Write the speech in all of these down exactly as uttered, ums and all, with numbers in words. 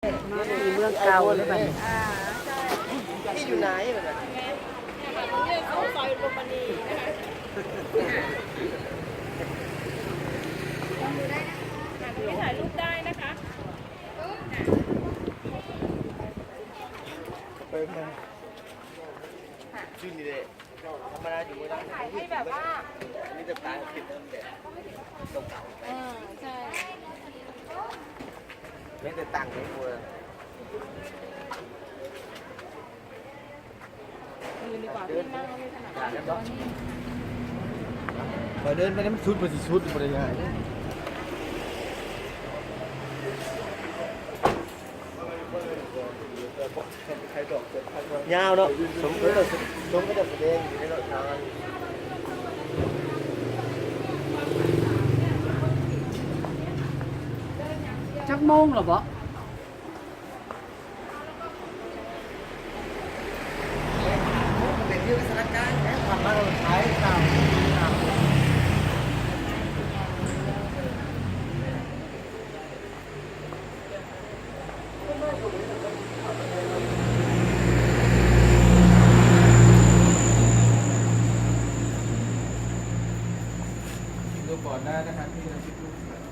มาที่เมืองเก่าเลยแบบนี้อ่าใช่ที่อยู่ไหนแบบนี้เนี่ยค่ะตรงนี้เขาซอยโรมานีนะคะลองดูได้นะคะตรงนี้ถ่ายรูปได้นะคะไปมาชื่อนี่เลยธรรมดาอยู่ไม่ได้ถ่ายให้แบบว่าอันนี้จะตายคิดเริ่มเด็ดตรงเก่าเออใช่ไม่ได้ตังค์ไม่ควรยืนดีกว่าพี่นั่งไม่ถนัดตอนนี้พอเดินไปนี่มันชุดมันสิชุดมันยังไงยาวเนาะสมก็จะสมก็จะแสดงอยู่ในรถทางจักโมงหรอบ่เป็นที่สถานการณ์ทำมาเราใช้ตามดูก่อนได้นะครับที่เราคิดดู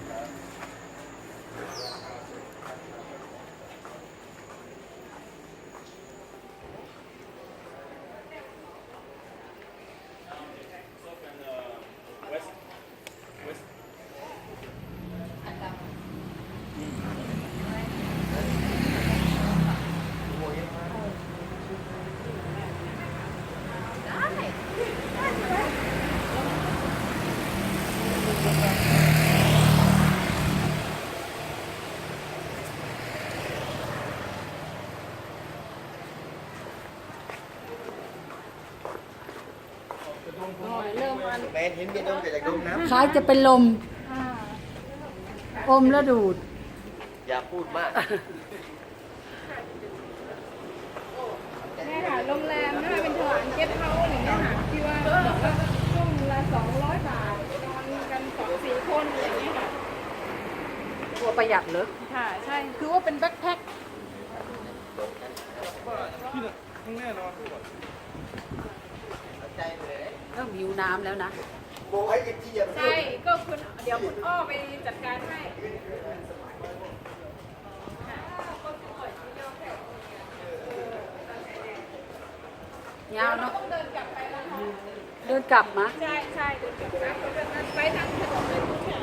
เริ่มมันแมนเห็นเมียดมแต่จากดมน้ำคล้ายจะเป็นลมอมแล้วดูดอย่าพูดมากเนี่ยค่ะโรงแรมนะคะเป็นถวานเก็ตเฮาส์อะไรเงี้ยค่ะที่ว่าบอกว่าช่วงละสองร้อยบาทนอนกันสองสี่คนอะไรเงี้ยค่ะตัวประหยัดเลยค่ะใช่คือว่าเป็นแบ็คแพ็คใจเลยเริ่มหิวน้ำแล้วนะโบให้กินที่อย่างใช่ก็คุณเดี๋ยวคุณอ้อไปจัดการให้ยาวเนาะต้องเดินกลับไปแล้วค่ะเดินกลับมาใช่ใช่เดินกลับไปไปทางถนนเลยค่ะ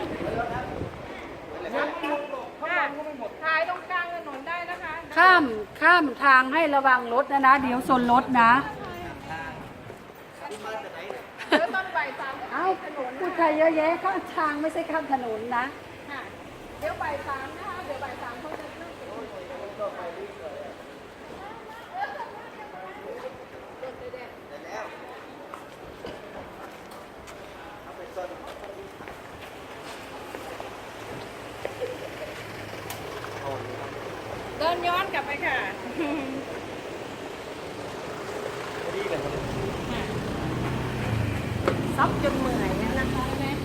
ถ่ายตรงกลางถนนได้นะคะข้ามข้ามทางให้ระวังรถนะนะเดี๋ยวชนรถนะเดี๋ยวตอนบ่ายสามเอ้าพูดไทยเยอะแยะข้ามทางไม่ใช่ข้ามถนนนะค่ะเดี๋ยวบ่ายสามนะคะเดี๋ยวบ่ายสามเขาจะเริ่มเป็นเดินย้อนกลับไปค่ะซับจนเหนื่อยเนี่ยนะคะแม่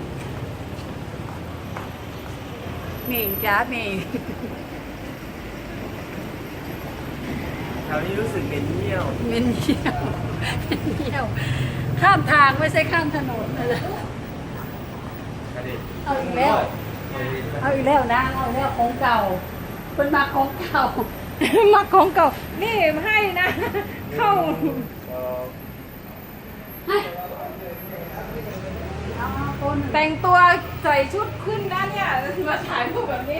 เมงจ้าเมงแถวนี้รู้สึกเหม็นเหี้ยวเมนเที่ยวเมนเที่ยว ข้ามทางไม่ใช่ข้ามถนนเลยเอาอีกแล้ว เอาอีกแล้วนะ เอาอีกแล้วของเก่าเป็นมาของเก่ามาของเก่านี่ให้นะ เข้าให้เอาคนแต่งตัวใส่ชุดขึ้นนะเนี่ยมาถ่ายรูปแบบนี้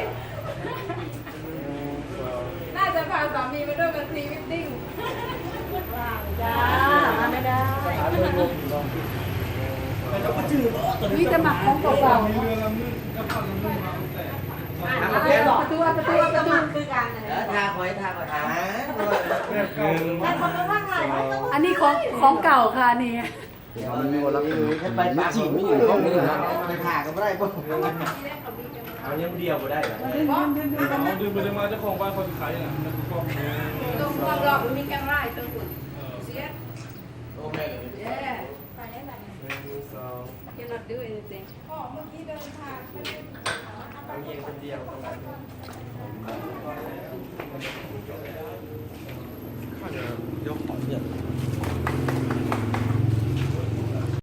น่าจะพาสามีมาด้วยกันพรีวิดดิ้งจ้าไม่ได้เราก็จืดวิจะมาของเก่าๆประตูประตูประตูคือกันทาคอยทาคอยทาอันนี้ของของเก่าค่ะนี่มันมีคนรับถือแค่ไปปากจีนไม่อยู่ห้องนี้นะไปทาก็ไม่ได้ป่ะเอาเนี้ยเดียวก็ได้เหรอดื่มไปเลยมาเจ้าของบ้านเขาจะขายอ่ะแล้วก็ตรงความหลอกมีแกงไร่ตัวคุณเสียโอเคเลย yeah ไปได้ไหมหนึ่งสอง you're not doing anything อ๋อเมื่อกี้เดินทางไม่ได้เอาเย็นคนเดียวตรงนั้น